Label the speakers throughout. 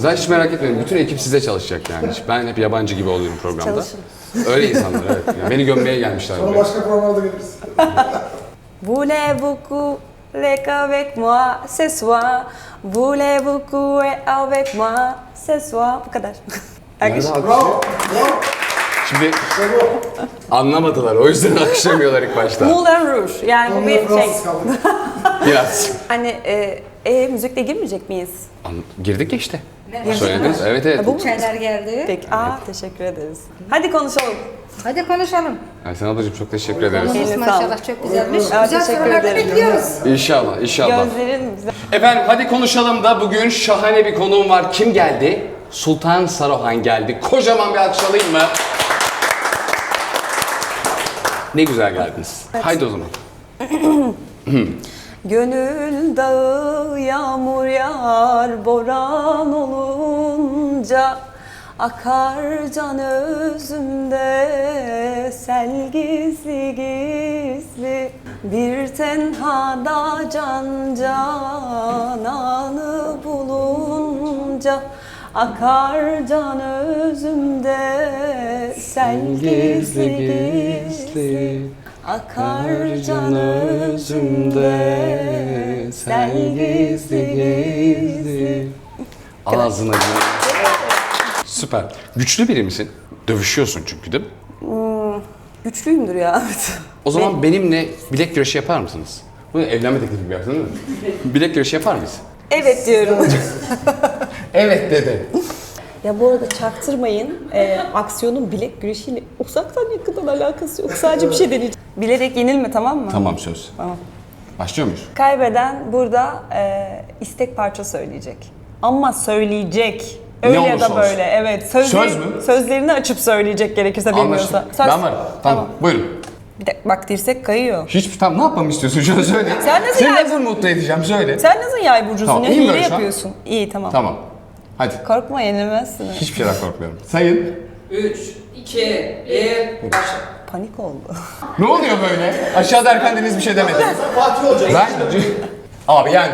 Speaker 1: Sen hiç merak etmeyin. Bütün ekip size çalışacak yani. Ben hep yabancı gibi oluyorum programda.
Speaker 2: Çalışın.
Speaker 1: Öyle insanlar evet. Yani beni gömmeye gelmişler
Speaker 3: Sonra
Speaker 1: buraya.
Speaker 3: başka programlarda geliriz.
Speaker 2: Voulez-vous couler avec moi ce soir? Voulez-vous couler avec moi ce soir? Bu kadar. Alkış.
Speaker 1: Nerede alkış?
Speaker 3: Bravo. Bravo.
Speaker 1: Şimdi
Speaker 3: İşte bu.
Speaker 1: anlamadılar. O yüzden alkışlamıyorlar ilk başta.
Speaker 2: Moulin Rouge. Yani bu
Speaker 3: Onunla
Speaker 2: bir şey.
Speaker 3: Fransız kaldık.
Speaker 1: Biraz.
Speaker 2: Hani müzikle girmeyecek miyiz?
Speaker 1: Girdik ya işte.
Speaker 2: Girdik
Speaker 1: Söylediniz.
Speaker 2: mi?
Speaker 1: Evet evet.
Speaker 2: Ha, bu mu?
Speaker 4: Çaylar geldi.
Speaker 2: Peki. Teşekkür ederiz. Hadi konuşalım.
Speaker 4: Hadi konuşalım.
Speaker 1: Aysen ablacığım çok teşekkür ederiz.
Speaker 4: Konumuz
Speaker 2: Eline
Speaker 4: maşallah
Speaker 2: sağlık.
Speaker 4: çok güzelmiş.
Speaker 2: Evet,
Speaker 4: Güzel
Speaker 2: teşekkür
Speaker 4: sorular da
Speaker 2: ederim.
Speaker 4: bekliyoruz.
Speaker 1: İnşallah, inşallah.
Speaker 2: Gözlerin güzel.
Speaker 1: Efendim hadi konuşalım da bugün şahane bir konuğum var. Kim geldi? Sultan Saruhan geldi. Kocaman bir alkış alayım mı? Ne güzel geldiniz. Haydi o zaman.
Speaker 2: Gönül dağı yağmur yağar boran olunca akar can özümde sel gizli gizli bir tenhada can cananı bulunca akar can özümde sel gizli gizli akar can özümde sel gizli gizli.
Speaker 1: Ağzına gir. Süper. Güçlü biri misin? Dövüşüyorsun çünkü değil mi?
Speaker 2: Güçlüyümdür ya.
Speaker 1: O zaman benimle bilek güreşi yapar mısınız? Bu evlenme teklifi gibi yaptın değil mi? Bilek güreşi yapar mıyız?
Speaker 2: Evet diyorum.
Speaker 1: Evet dedi.
Speaker 2: Ya bu arada çaktırmayın. Aksiyonun bilek güreşiyle uzaktan yakından alakası yok. Sadece bir şey deneyeceğim. Bilerek yenilme, tamam mı?
Speaker 1: Tamam söz.
Speaker 2: Tamam.
Speaker 1: Başlıyor muyuz?
Speaker 2: Kaybeden burada istek parça söyleyecek. Ama söyleyecek. Öyle ya
Speaker 1: olursa
Speaker 2: da böyle.
Speaker 1: olsun.
Speaker 2: Evet.
Speaker 1: Söz mü?
Speaker 2: Sözlerini açıp söyleyecek gerekirse bilmiyorsa.
Speaker 1: Anlaştık.
Speaker 2: Söz.
Speaker 1: Ben varım. Tamam. Buyurun.
Speaker 2: Bir de, bak dirsek kayıyor.
Speaker 1: Tam ne yapmamı istiyorsun şu an söyle.
Speaker 2: Sen nasıl
Speaker 1: Seni
Speaker 2: yani?
Speaker 1: nasıl mutlu edeceğim söyle.
Speaker 2: Sen nasıl yay burcusun
Speaker 1: Tamam,
Speaker 2: ya?
Speaker 1: iyiyim
Speaker 2: Hile
Speaker 1: böyle şu an.
Speaker 2: yapıyorsun. İyi, tamam.
Speaker 1: Tamam. Hadi.
Speaker 2: Korkma, yenilmezsin.
Speaker 1: Hiçbir şeyden korkmuyorum. Sayın.
Speaker 5: 3, 2, 1, başla.
Speaker 2: Panik oldu.
Speaker 1: Ne oluyor böyle? Aşağıda Erkan Deniz bir şey demedi.
Speaker 3: Sen Fatih olacaksın.
Speaker 1: Ben... Abi yani.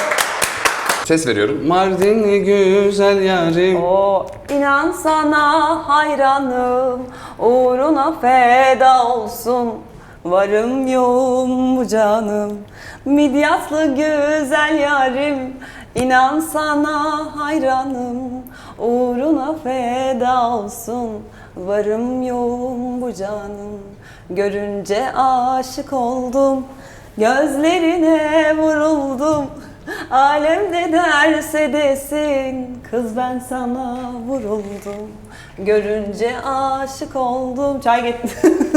Speaker 1: Ses veriyorum. Mardinli güzel yarim.
Speaker 2: İnan sana hayranım, uğruna feda olsun. Varım yoğum bu canım, midyatlı güzel yarim. İnan sana hayranım, uğruna feda olsun. Varım yoğum bu canım, görünce aşık oldum. Gözlerine vuruldum. Alem ne derse desin, kız ben sana vuruldum. Görünce aşık oldum. Çay getir.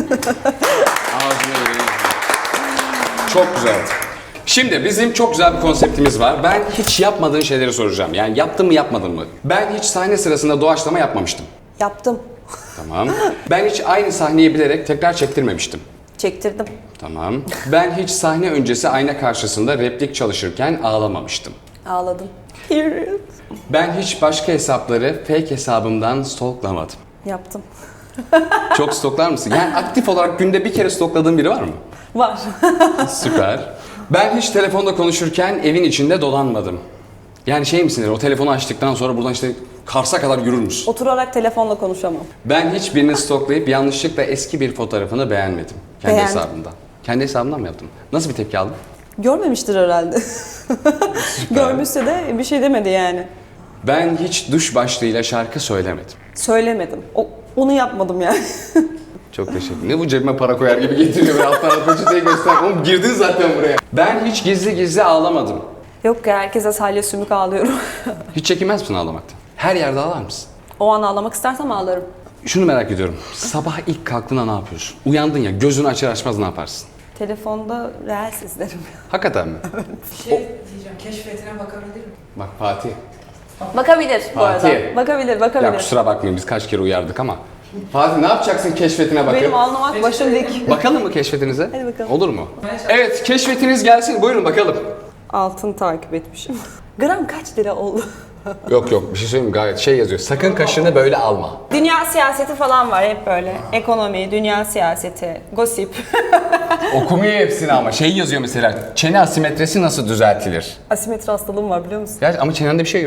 Speaker 1: Ağzına yüreğine. Çok güzel. Şimdi bizim çok güzel bir konseptimiz var. Ben hiç yapmadığın şeyleri soracağım. Yani yaptın mı yapmadın mı? Ben hiç sahne sırasında doğaçlama yapmamıştım.
Speaker 2: Yaptım.
Speaker 1: Tamam. Ben hiç aynı sahneyi bilerek tekrar çektirmemiştim.
Speaker 2: Çektirdim.
Speaker 1: Tamam. Ben hiç sahne öncesi ayna karşısında replik çalışırken ağlamamıştım.
Speaker 2: Ağladım.
Speaker 1: Ben hiç başka hesapları fake hesabımdan stalklamadım.
Speaker 2: Yaptım.
Speaker 1: Çok stalklar mısın? Yani aktif olarak günde bir kere stalkladığın biri var mı?
Speaker 2: Var.
Speaker 1: Süper. Ben hiç telefonda konuşurken evin içinde dolanmadım. Yani şey misindir, o telefonu açtıktan sonra buradan işte Kars'a kadar yürür müsün?
Speaker 2: Oturarak telefonla konuşamam.
Speaker 1: Ben hiç birini stalklayıp yanlışlıkla eski bir fotoğrafını beğenmedim. Kendi
Speaker 2: Beğendim.
Speaker 1: hesabımdan. Kendi hesabımdan mı yaptım? Nasıl bir tepki aldın?
Speaker 2: Görmemiştir herhalde. Görmüşse de bir şey demedi yani.
Speaker 1: Ben hiç duş başlığıyla şarkı söylemedim.
Speaker 2: Söylemedim. Onu yapmadım yani.
Speaker 1: Çok teşekkür ederim. Ne bu cebime para koyar gibi getiriyor böyle alttan peçeteyi göster. Oğlum girdin zaten buraya. Ben hiç gizli gizli ağlamadım.
Speaker 2: Yok ya, herkese salya sümük ağlıyorum.
Speaker 1: Hiç çekinmez misin ağlamaktan? Her yerde ağlar mısın?
Speaker 2: O an ağlamak istersem ağlarım.
Speaker 1: Şunu merak ediyorum. Sabah ilk kalktığında ne yapıyorsun? Uyandın ya, gözünü açar açmaz ne yaparsın?
Speaker 2: Telefonda reels izlerim.
Speaker 1: Hakikaten mi?
Speaker 5: Bir şey diyeceğim, keşfetine bakabilir miyim?
Speaker 1: Bak Fatih.
Speaker 2: Bakabilir bu arada.
Speaker 1: Fatih.
Speaker 2: Bakabilir.
Speaker 1: Ya kusura bakmayın biz kaç kere uyardık ama. Fatih ne yapacaksın keşfetine bakıp?
Speaker 2: Benim anlamak başım dik.
Speaker 1: Bakalım mı keşfetinize?
Speaker 2: Hadi bakalım.
Speaker 1: Olur mu? Evet keşfetiniz gelsin buyurun bakalım.
Speaker 2: Altın takip etmişim. Gram kaç lira oldu?
Speaker 1: Yok bir şey söyleyeyim mi? Gayet şey yazıyor. Sakın kaşını böyle alma.
Speaker 2: Dünya siyaseti falan var hep böyle. Ekonomi, dünya siyaseti, gossip.
Speaker 1: Okumuyor hepsini ama şey yazıyor mesela. Çene asimetresi nasıl düzeltilir?
Speaker 2: Asimetri hastalığım var biliyor musun?
Speaker 1: Gerçi ama çenende bir şey yok.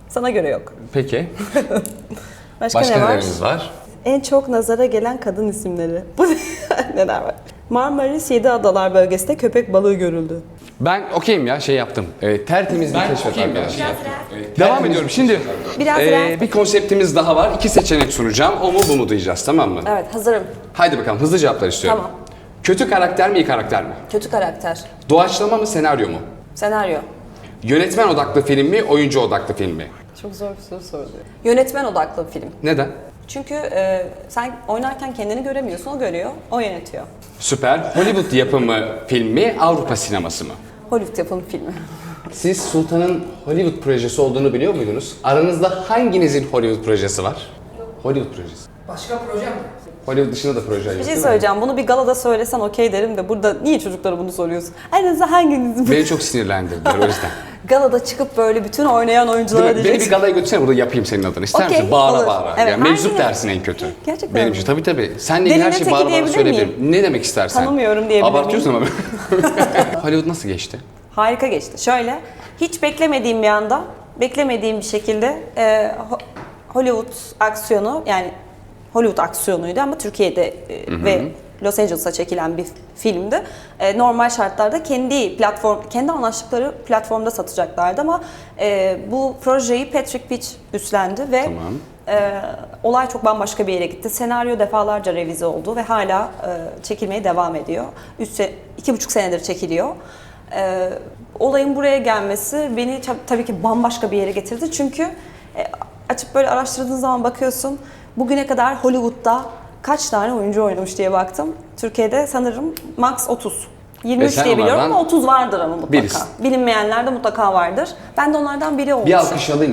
Speaker 2: Sana göre yok.
Speaker 1: Peki.
Speaker 2: Başka,
Speaker 1: Başka
Speaker 2: ne var?
Speaker 1: neleriniz var?
Speaker 2: En çok nazara gelen kadın isimleri. Bu neler var? Marmaris 7 Adalar bölgesinde köpek balığı görüldü.
Speaker 1: Ben okeyim ya şey yaptım. Tertemiz bir keşfet
Speaker 5: okeyim ya.
Speaker 1: arkadaşlar. Devam ediyorum. Şimdi
Speaker 2: Biraz rahat.
Speaker 1: bir konseptimiz daha var. 2 seçenek sunacağım. O mu bu mu diyeceğiz, tamam mı?
Speaker 2: Evet, hazırım.
Speaker 1: Haydi bakalım, hızlı cevaplar istiyorum.
Speaker 2: Tamam.
Speaker 1: Kötü karakter mi, iyi karakter mi?
Speaker 2: Kötü karakter.
Speaker 1: Doğaçlama mı, senaryo mu?
Speaker 2: Senaryo.
Speaker 1: Yönetmen odaklı film mi, oyuncu odaklı film mi?
Speaker 2: Çok zor bir soru sordu. Yönetmen odaklı bir film.
Speaker 1: Neden?
Speaker 2: Çünkü sen oynarken kendini göremiyorsun, o görüyor, o yönetiyor.
Speaker 1: Süper. Hollywood yapımı film mi, Avrupa sineması mı?
Speaker 2: Hollywood yapımı filmi.
Speaker 1: Siz Sultan'ın Hollywood projesi olduğunu biliyor muydunuz? Aranızda hanginizin Hollywood projesi var? Hollywood projesi.
Speaker 5: Başka proje mi?
Speaker 1: Hollywood dışında da proje yok,
Speaker 2: Bir şey
Speaker 1: değil mi?
Speaker 2: söyleyeceğim, bunu bir galada söylesen okey derim de burada niye çocuklara bunu soruyorsun? Aranızda hanginiz
Speaker 1: Beni çok sinirlendirdiler o yüzden.
Speaker 2: galada çıkıp böyle bütün oynayan oyunculara
Speaker 1: Değil mi? Beni bir
Speaker 2: diyeceksin.
Speaker 1: galaya götürsene, burada yapayım senin adını. İster
Speaker 2: Okey,
Speaker 1: misin? Bağıra
Speaker 2: olur.
Speaker 1: bağıra.
Speaker 2: Evet,
Speaker 1: Yani meczup
Speaker 2: hanginiz?
Speaker 1: dersin en kötü.
Speaker 2: Gerçekten
Speaker 1: Benim
Speaker 2: mi?
Speaker 1: için tabii. Senle ilgili her
Speaker 2: Derine
Speaker 1: şeyi
Speaker 2: teki
Speaker 1: bağıra bağıra
Speaker 2: diyebilir
Speaker 1: söyleyebilirim.
Speaker 2: miyim?
Speaker 1: Ne demek istersen.
Speaker 2: Tanımıyorum diyebilir miyim?
Speaker 1: Abartıyorsun ama. Hollywood nasıl geçti?
Speaker 2: Harika geçti. Şöyle, hiç beklemediğim bir anda, beklemediğim bir şekilde Hollywood aksiyonu, yani Hollywood aksiyonuydu ama Türkiye'de ve Los Angeles'a çekilen bir filmdi. Normal şartlarda kendi anlaştıkları platformda satacaklardı ama bu projeyi Patrick Peach üstlendi ve
Speaker 1: Tamam.
Speaker 2: olay çok bambaşka bir yere gitti. Senaryo defalarca revize oldu ve hala çekilmeye devam ediyor. 2,5 senedir çekiliyor. Olayın buraya gelmesi beni tabii ki bambaşka bir yere getirdi. Çünkü açıp böyle araştırdığın zaman bakıyorsun, bugüne kadar Hollywood'da kaç tane oyuncu oynamış diye baktım. Türkiye'de sanırım max 30. 23
Speaker 1: sen
Speaker 2: diye biliyorum
Speaker 1: onlardan
Speaker 2: ama 30 vardır ama mutlaka.
Speaker 1: birisin.
Speaker 2: Bilinmeyenler de mutlaka vardır. Ben de onlardan biri olmuşum.
Speaker 1: Bir alkış alayım.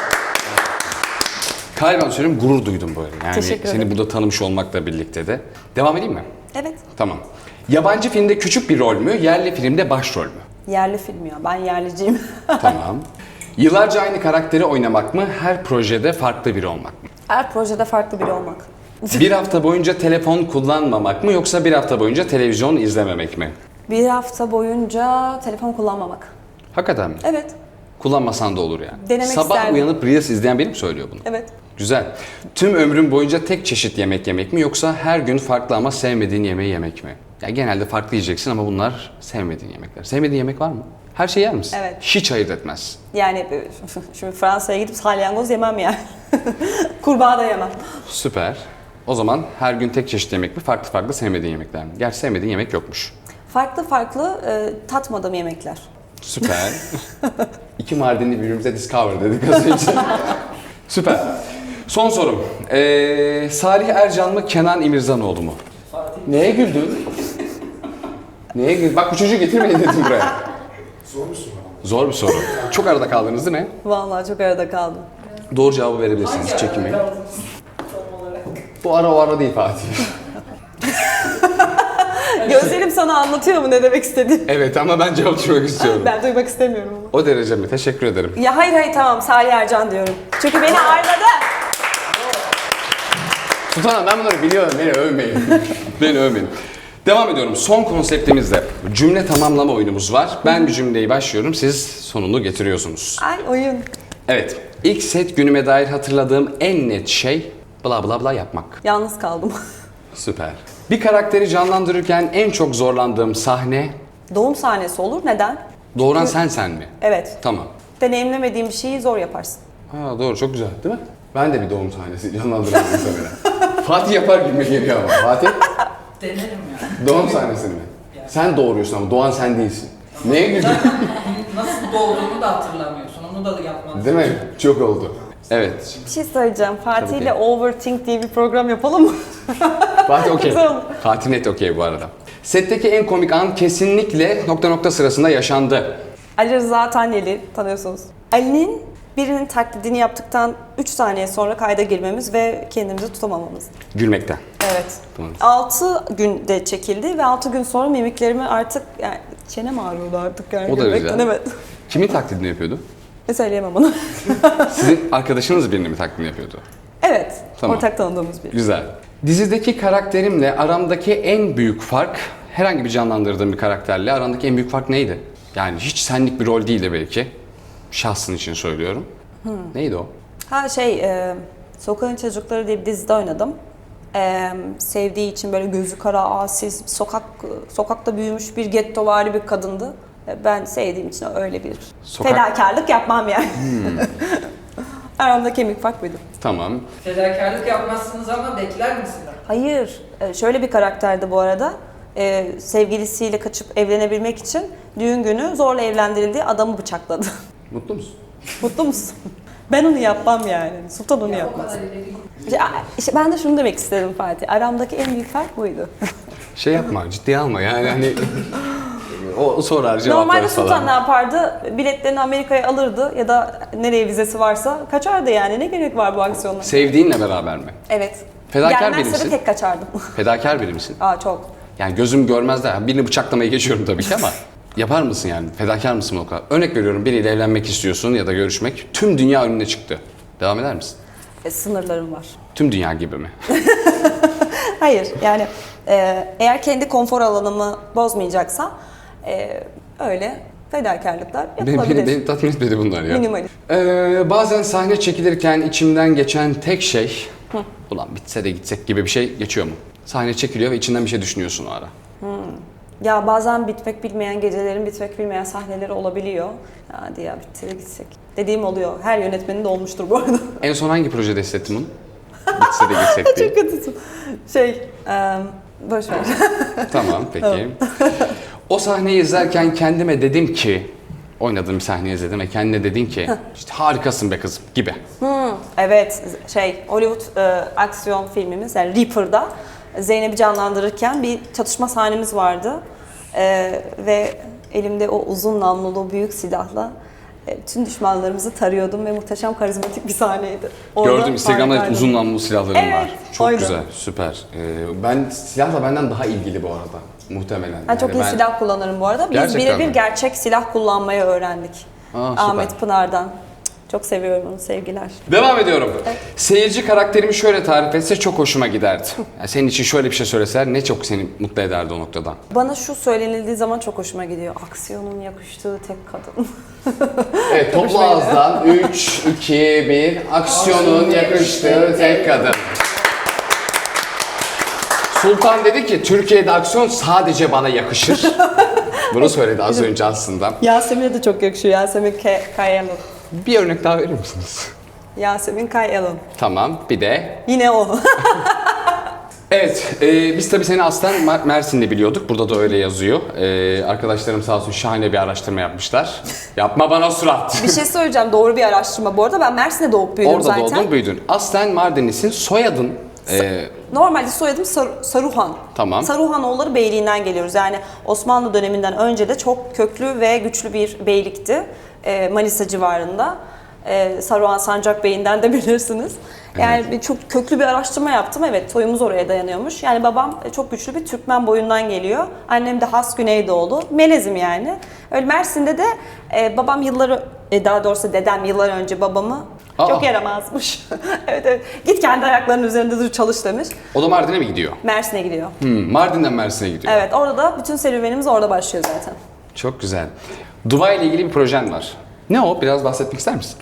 Speaker 1: Kalben söylüyorum, gurur duydum böyle. Yani
Speaker 2: Teşekkür ederim.
Speaker 1: seni burada tanımış olmakla birlikte de. Devam edeyim mi?
Speaker 2: Evet.
Speaker 1: Tamam. Yabancı filmde küçük bir rol mü, yerli filmde başrol mü?
Speaker 2: Yerli film ya. Ben yerliciyim.
Speaker 1: Tamam. Yıllarca aynı karakteri oynamak mı, her projede farklı biri olmak mı?
Speaker 2: Her projede farklı biri olmak.
Speaker 1: Bir hafta boyunca telefon kullanmamak mı, yoksa bir hafta boyunca televizyon izlememek mi?
Speaker 2: Bir hafta boyunca telefon kullanmamak.
Speaker 1: Hakikaten mi?
Speaker 2: Evet.
Speaker 1: Kullanmasan da olur yani.
Speaker 2: Denemek
Speaker 1: Sabah
Speaker 2: isterdim.
Speaker 1: uyanıp Reels izleyen biri mi söylüyor bunu?
Speaker 2: Evet.
Speaker 1: Güzel. Tüm ömrün boyunca tek çeşit yemek yemek mi, yoksa her gün farklı ama sevmediğin yemeği yemek mi? Ya genelde farklı yiyeceksin ama bunlar sevmediğin yemekler. Sevmediğin yemek var mı? Her şeyi yer misin?
Speaker 2: Evet.
Speaker 1: Hiç ayırt etmez.
Speaker 2: Yani şimdi Fransa'ya gidip salyangoz yemem yani. Kurbağa da yemem.
Speaker 1: Süper. O zaman her gün tek çeşit yemek mi, farklı farklı sevmediğin yemekler mi? Gerçi sevmediğin yemek yokmuş.
Speaker 2: Farklı farklı tatmadığım yemekler.
Speaker 1: Süper. İki Mardinli birbirimize discover dedik az önce. Süper. Son sorum. Salih Ercan mı, Kenan İmirzalıoğlu mu? Neye güldün? Neye güldün? Bak bu çocuğu getirmeyin dedim buraya.
Speaker 3: Zor musun?
Speaker 1: Zor bir soru. Çok arada kaldınız değil mi?
Speaker 2: Vallahi çok arada kaldım.
Speaker 1: Doğru cevabı verebilirsiniz. Hiç çekinmeyin. Bu ara o ara değil Fatih.
Speaker 2: Gözlerim sana anlatıyor mu ne demek istediğimi?
Speaker 1: Evet ama ben cevap tutmak istiyorum.
Speaker 2: Ben duymak istemiyorum ama.
Speaker 1: O derece mi? Teşekkür ederim.
Speaker 2: Ya hayır tamam Salih Ercan diyorum. Çünkü beni ağırladı.
Speaker 1: Sultanım ben bunları biliyorum. Beni övmeyin. Beni övmeyin. Devam ediyorum. Son konseptimizde cümle tamamlama oyunumuz var. Ben bir cümleyi başlıyorum. Siz sonunu getiriyorsunuz.
Speaker 2: Ay oyun.
Speaker 1: Evet. İlk set günüme dair hatırladığım en net şey bla bla bla yapmak.
Speaker 2: Yalnız kaldım.
Speaker 1: Süper. Bir karakteri canlandırırken en çok zorlandığım sahne
Speaker 2: Doğum sahnesi olur. Neden?
Speaker 1: doğuran sen mi?
Speaker 2: Evet.
Speaker 1: Tamam.
Speaker 2: Deneyimlemediğim bir şeyi zor yaparsın.
Speaker 1: Ha doğru, çok güzel değil mi? Ben de bir doğum sahnesi canlandırıyorum muhtemelen. Fatih yapar gibi geliyor ama. Fatih
Speaker 5: Denerim ya.
Speaker 1: doğum sahnesini mi? Sen doğuruyorsun ama doğan sen değilsin. Neye güldün?
Speaker 5: Nasıl doğduğunu da hatırlamıyorsun. Onu da yapmadın.
Speaker 1: Değil mi? Çok oldu. Evet.
Speaker 2: Bir şey söyleyeceğim. Fatih
Speaker 1: Tabii
Speaker 2: ile
Speaker 1: ki.
Speaker 2: Overthink diye bir program yapalım mı?
Speaker 1: Fatih okey.
Speaker 2: Güzel oldu.
Speaker 1: Fatih net okey bu arada. Setteki en komik an kesinlikle nokta nokta sırasında yaşandı.
Speaker 2: Ali Rıza Tanyeli tanıyorsunuz. Ali'nin birinin taklidini yaptıktan 3 saniye sonra kayda girmemiz ve kendimizi tutamamamız.
Speaker 1: Gülmekten.
Speaker 2: Evet.
Speaker 1: Tamam.
Speaker 2: 6 günde çekildi ve 6 gün sonra mimiklerimi artık yani çenem ağrıyordu artık yani.
Speaker 1: O da
Speaker 2: gülmekten,
Speaker 1: güzel.
Speaker 2: evet.
Speaker 1: Kimin taklidini yapıyordu?
Speaker 2: Ne söyleyemem onu.
Speaker 1: Sizin arkadaşınız birinin mi taklidini yapıyordu?
Speaker 2: Evet.
Speaker 1: Tamam.
Speaker 2: Ortak tanıdığımız biri.
Speaker 1: Güzel. Dizideki karakterimle aramdaki en büyük fark, herhangi bir canlandırdığım bir karakterle aramdaki en büyük fark neydi? Yani hiç senlik bir rol değildi belki. Şahsın için söylüyorum. Neydi o?
Speaker 2: Sokağın Çocukları diye bir dizide oynadım. Sevdiği için böyle gözü kara, asil, sokakta büyümüş bir gettovari bir kadındı. Ben sevdiğim için öyle bir fedakarlık yapmam yani. Aramda kemik fark buydu.
Speaker 1: Tamam.
Speaker 5: Fedakarlık yapmazsınız ama bekler misiniz?
Speaker 2: Hayır, şöyle bir karakterdi bu arada. Sevgilisiyle kaçıp evlenebilmek için düğün günü zorla evlendirildiği adamı bıçakladı.
Speaker 1: Mutlu musun?
Speaker 2: Mutlu musun? Ben onu yapmam yani. Sultan onu
Speaker 5: Ya o
Speaker 2: yapmaz.
Speaker 5: kadar ileri değil.
Speaker 2: İşte ben de şunu demek istedim Fatih. Aramdaki en büyük fark buydu.
Speaker 1: Şey yapma, ciddiye alma yani hani o sorar cevaplar
Speaker 2: Normalde
Speaker 1: falan.
Speaker 2: Sultan ne yapardı? Biletlerini Amerika'ya alırdı ya da nereye vizesi varsa kaçardı yani. Ne gerek var bu aksiyonlara?
Speaker 1: Sevdiğinle beraber mi?
Speaker 2: Evet.
Speaker 1: Fedakar biri
Speaker 2: Gelmezse
Speaker 1: misin?
Speaker 2: de tek kaçardım.
Speaker 1: Fedakar biri misin?
Speaker 2: Aa çok.
Speaker 1: Yani gözüm görmez de birini bıçaklamayı geçiyorum tabii ki ama yapar mısın yani? Fedakar mısın o kadar? Örnek veriyorum, biriyle evlenmek istiyorsun ya da görüşmek. Tüm dünya önüne çıktı. Devam eder misin?
Speaker 2: Sınırlarım var.
Speaker 1: Tüm dünya gibi mi?
Speaker 2: Hayır yani eğer kendi konfor alanımı bozmayacaksa öyle fedakarlıklar yapılabilir.
Speaker 1: Beni tatmin etmedi bunlar ya.
Speaker 2: Minimalist.
Speaker 1: Bazen sahne çekilirken içimden geçen tek şey, ulan bitse de gitsek gibi bir şey geçiyor mu? Sahne çekiliyor ve içinden bir şey düşünüyorsun o ara.
Speaker 2: Ya bazen bitmek bilmeyen gecelerin bitmek bilmeyen sahneleri olabiliyor. Ya hadi ya bitse de gitsek. Dediğim oluyor. Her yönetmenin de olmuştur bu arada.
Speaker 1: En son hangi projede hissettin bunu? Bitse de gitsek diye.
Speaker 2: Çok kötüsün. Boş ver.
Speaker 1: Tamam, peki. O sahneyi izlerken kendime dedim ki, oynadığım bir sahneyi izledim ve kendine dedin ki, işte harikasın be kızım gibi.
Speaker 2: Evet, Hollywood aksiyon filmimiz yani Reaper'da Zeynep'i canlandırırken bir çatışma sahnemiz vardı. Ve elimde o uzun namlulu büyük silahla tüm düşmanlarımızı tarıyordum ve muhteşem karizmatik bir sahneydi. Orada
Speaker 1: Gördüm, Instagram'da hep
Speaker 2: harikaydı.
Speaker 1: uzun namlulu silahlarım
Speaker 2: Evet,
Speaker 1: var. Çok
Speaker 2: oydu.
Speaker 1: güzel, süper. Ben silahla benden daha ilgili bu arada. Muhtemelen.
Speaker 2: Ben çok iyi silah kullanırım bu arada. Biz
Speaker 1: Gerçekten
Speaker 2: birebir
Speaker 1: mi?
Speaker 2: gerçek silah kullanmayı öğrendik.
Speaker 1: Süper.
Speaker 2: Ahmet Pınar'dan. Çok seviyorum onu, sevgiler.
Speaker 1: Devam ediyorum. Seyirci karakterimi şöyle tarif etse çok hoşuma giderdi. Yani senin için şöyle bir şey söyleseler ne çok seni mutlu ederdi o noktada.
Speaker 2: Bana şu söylenildiği zaman çok hoşuma gidiyor. Aksiyonun yakıştığı tek kadın.
Speaker 1: Evet, toplu ağızdan 3, 2, 1. Aksiyonun yakıştığı tek kadın. Sultan dedi ki Türkiye'de aksiyon sadece bana yakışır. Bunu söyledi az önce aslında.
Speaker 2: Yasemin'e de çok yakışıyor. Yasemin Kayalın.
Speaker 1: Bir örnek daha verir misiniz?
Speaker 2: Yasemin Kayalın.
Speaker 1: Tamam, bir de.
Speaker 2: Yine o.
Speaker 1: Evet, biz tabii seni aslen Mersin'de biliyorduk. Burada da öyle yazıyor. Arkadaşlarım sağ olsun şahane bir araştırma yapmışlar. Yapma bana surat.
Speaker 2: Bir şey söyleyeceğim. Doğru bir araştırma. Bu arada ben Mersin'de doğup büyüdüm
Speaker 1: Orada
Speaker 2: zaten.
Speaker 1: doğdun, büyüdün. Aslen Mardinlisin, soyadın.
Speaker 2: Normalde soyadım Saruhan.
Speaker 1: Tamam.
Speaker 2: Saruhanoğulları beyliğinden geliyoruz. Yani Osmanlı döneminden önce de çok köklü ve güçlü bir beylikti. Manisa civarında. Saruhan Sancak Bey'inden de bilirsiniz. Yani çok köklü bir araştırma yaptım. Evet, soyumuz oraya dayanıyormuş. Yani babam çok güçlü bir Türkmen boyundan geliyor. Annem de has Güneydoğulu. Melezim yani. Öyle Mersin'de de babam daha doğrusu dedem yıllar önce babamı çok yaramazmış. Evet. Git kendi ayaklarının üzerinde dur çalış demiş.
Speaker 1: O da Mardin'e mi gidiyor?
Speaker 2: Mersin'e gidiyor.
Speaker 1: Mardin'den Mersin'e gidiyor.
Speaker 2: Evet, orada da bütün serüvenimiz orada başlıyor zaten.
Speaker 1: Çok güzel. Dubai ile ilgili bir projen var. Ne o? Biraz bahsetmek ister misin?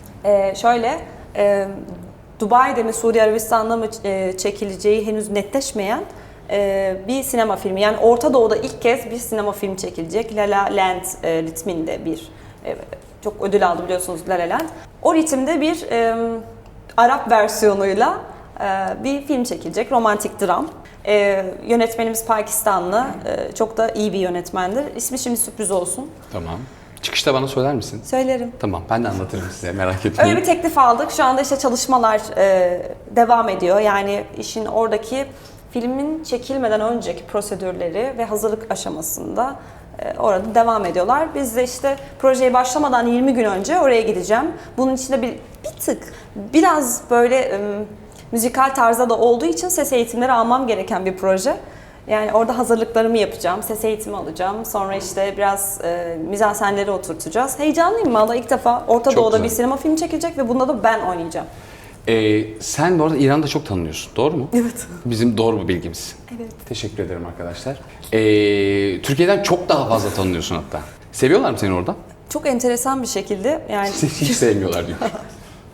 Speaker 2: Dubai'de mi Suudi Arabistan'da mı çekileceği henüz netleşmeyen bir sinema filmi. Yani Orta Doğu'da ilk kez bir sinema filmi çekilecek. La La Land ritminde bir çok ödül aldı biliyorsunuz La La Land. O ritimde bir Arap versiyonuyla bir film çekilecek. Romantik dram. Yönetmenimiz Pakistanlı. Çok da iyi bir yönetmendir. İsmi şimdi sürpriz olsun.
Speaker 1: Tamam. Çıkışta bana söyler misin?
Speaker 2: Söylerim.
Speaker 1: Tamam, ben de anlatırım size, merak etmeyin.
Speaker 2: Öyle bir teklif aldık. Şu anda işte çalışmalar devam ediyor. Yani işin oradaki filmin çekilmeden önceki prosedürleri ve hazırlık aşamasında orada devam ediyorlar. Biz de işte projeye başlamadan 20 gün önce oraya gideceğim. Bunun içinde bir tık biraz böyle müzikal tarzda da olduğu için ses eğitimleri almam gereken bir proje. Yani orada hazırlıklarımı yapacağım, ses eğitimi alacağım. Sonra işte biraz mizansenleri oturtacağız. Heyecanlıyım valla, ilk defa Orta
Speaker 1: Çok
Speaker 2: Doğu'da
Speaker 1: güzel.
Speaker 2: bir sinema filmi çekilecek ve bunda da ben oynayacağım.
Speaker 1: Sen bu arada İran'da çok tanınıyorsun, doğru mu?
Speaker 2: Evet.
Speaker 1: Bizim doğru mu bilgimiz?
Speaker 2: Evet.
Speaker 1: Teşekkür ederim arkadaşlar. Türkiye'den çok daha fazla tanınıyorsun hatta. Seviyorlar mı seni orada?
Speaker 2: Çok enteresan bir şekilde yani
Speaker 1: Seni hiç sevmiyorlar diyor.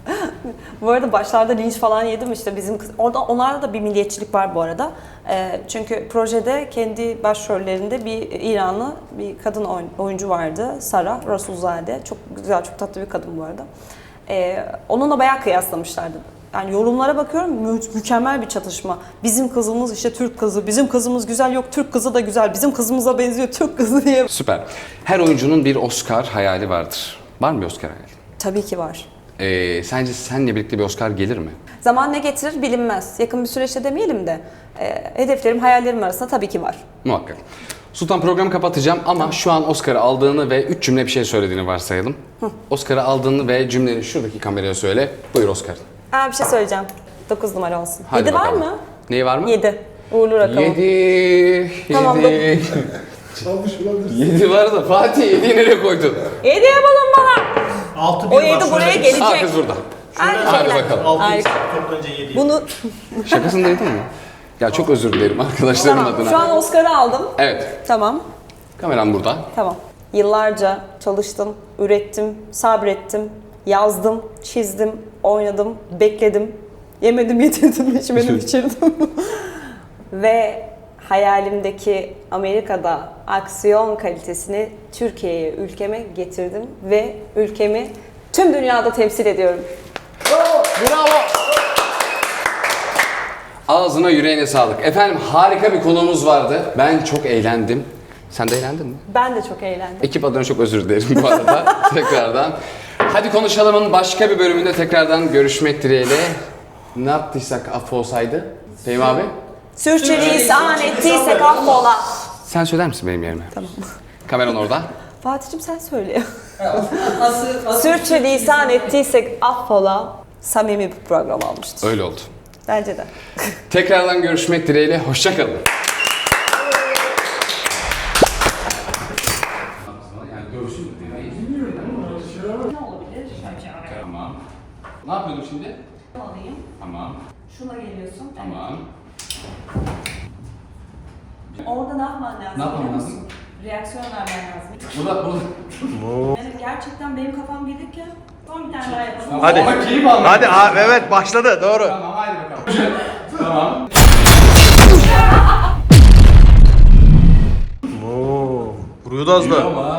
Speaker 2: Bu arada başlarda linç falan yedim işte bizim kız. Orada onlarda da bir milliyetçilik var bu arada. Çünkü projede kendi başrollerinde bir İranlı bir kadın oyuncu vardı. Sara Rasulzade. Çok güzel, çok tatlı bir kadın bu arada. Onunla bayağı kıyaslamışlardı. Yani yorumlara bakıyorum mükemmel bir çatışma. Bizim kızımız işte Türk kızı, bizim kızımız güzel yok Türk kızı da güzel, bizim kızımıza benziyor Türk kızı diye.
Speaker 1: Süper. Her oyuncunun bir Oscar hayali vardır. Var mı bir Oscar hayali?
Speaker 2: Tabii ki var.
Speaker 1: Sence seninle birlikte bir Oscar gelir mi?
Speaker 2: Zaman ne getirir bilinmez. Yakın bir süreçte demeyelim de hedeflerim, hayallerim arasında tabii ki var.
Speaker 1: Muhakkak. Sultan programı kapatacağım ama şu an Oscar'ı aldığını ve 3 cümle bir şey söylediğini varsayalım. Oscar'ı aldığını ve cümleni şuradaki kameraya söyle. Buyur Oscar.
Speaker 2: Bir şey söyleyeceğim. 9 numara olsun.
Speaker 1: Hadi
Speaker 2: 7 var
Speaker 1: bakalım.
Speaker 2: mı?
Speaker 1: Neyi var mı?
Speaker 2: 7. Uğurlu rakamı.
Speaker 1: 7.
Speaker 2: Tamam,
Speaker 3: Çalmış olabilirsin.
Speaker 1: 7 var da Fatih 7'yi nereye koydun?
Speaker 2: 7 yapalım bana.
Speaker 3: 6
Speaker 2: O 7 buraya gelecek.
Speaker 1: Aa kız burada.
Speaker 2: Aynı
Speaker 1: Hadi
Speaker 2: şekilde.
Speaker 1: bakalım.
Speaker 3: 6
Speaker 2: Harika.
Speaker 3: toplanınca 7.
Speaker 2: Bunu
Speaker 1: Şakasındaydın mı? Ya çok özür dilerim arkadaşlarım
Speaker 2: tamam.
Speaker 1: adına.
Speaker 2: Şu an Oscar'ı aldım.
Speaker 1: Evet.
Speaker 2: Tamam.
Speaker 1: Kameram burada.
Speaker 2: Tamam. Yıllarca çalıştım, ürettim, sabrettim, yazdım, çizdim, oynadım, bekledim. Yemedim, yedirdim, içmedim, içirdim. Ve hayalimdeki Amerika'da aksiyon kalitesini Türkiye'ye, ülkeme getirdim ve ülkemi tüm dünyada temsil ediyorum.
Speaker 1: Bravo. Ağzına yüreğine sağlık. Efendim harika bir konuğumuz vardı. Ben çok eğlendim. Sen de eğlendin mi?
Speaker 2: Ben de çok eğlendim.
Speaker 1: Ekip adına çok özür dilerim bu arada tekrardan. Hadi Konuşalım'ın başka bir bölümünde tekrardan görüşmek dileğiyle. Ne yaptıysak affolsaydı. Fehmi abi.
Speaker 2: Sürçülisan ettiysek affola.
Speaker 1: Sen söyler misin benim yerime?
Speaker 2: Tamam.
Speaker 1: Kameran orada.
Speaker 2: Fatih'cim sen söyle.
Speaker 5: Asıl
Speaker 2: Sürçülisan ettiysek affola. Samimi bir program almıştır.
Speaker 1: Öyle oldu.
Speaker 2: Bence de.
Speaker 1: Tekrardan görüşmek dileğiyle. Hoşça kalın. Tamam. Ne yapıyordum şimdi?
Speaker 2: Alayım.
Speaker 1: Tamam.
Speaker 2: Şuna geliyorsun.
Speaker 1: Tamam.
Speaker 2: Orada ne yapman lazım?
Speaker 1: Ne yapmam
Speaker 2: biliyor
Speaker 1: lazım?
Speaker 2: musun? Reaksiyon vermen lazım.
Speaker 1: Burada.
Speaker 2: Yani gerçekten benim kafam gelirken son bir tane daha yapalım.
Speaker 6: Hadi.
Speaker 1: Ama keyif aldım.
Speaker 6: Hadi evet başladı doğru.
Speaker 1: Tamam hadi bakalım. Tamam.
Speaker 6: Vuruyordu az da.
Speaker 1: Ama